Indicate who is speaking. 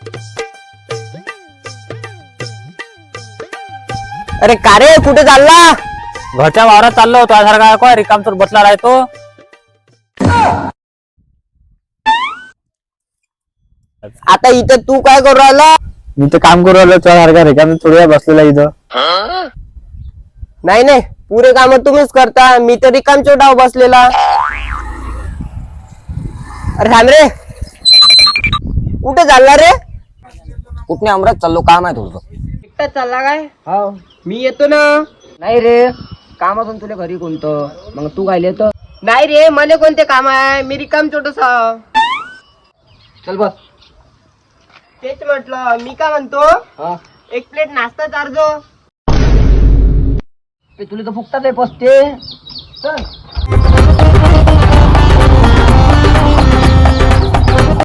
Speaker 1: अरे का रे, कुठे चालला?
Speaker 2: घरच्या वावरात चाललो होतो. सारखा काय रिकामचोर बसला राहतो.
Speaker 1: आता इथं तू काय करू राहिला?
Speaker 2: मी तर काम करू राहिलो सारखा रिकाम थोडी वेळ बसलेला इथं.
Speaker 1: नाही नाही, पुरे काम तुम्हीच करता, मी तर रिकामचो डाव बसलेला. अरे थांब रे, कुठे चालला रे?
Speaker 3: कुठने अमरात चाललो, काम आहे तुझं?
Speaker 1: एकटाच चालला काय?
Speaker 3: हो.
Speaker 1: मी येतो ना.
Speaker 3: नाही रे, काम असून तुला घरी कोणतं, मग तू काय येतं?
Speaker 1: नाही रे, मला कोणते काम आहे, मी रिकाम छोटसा.
Speaker 3: चल बस.
Speaker 1: तेच म्हटलं, मी काय म्हणतो,
Speaker 3: हा,
Speaker 1: एक प्लेट नाश्ता चारजो.
Speaker 3: ते तुला तर फुकटात आहे पसते. चल.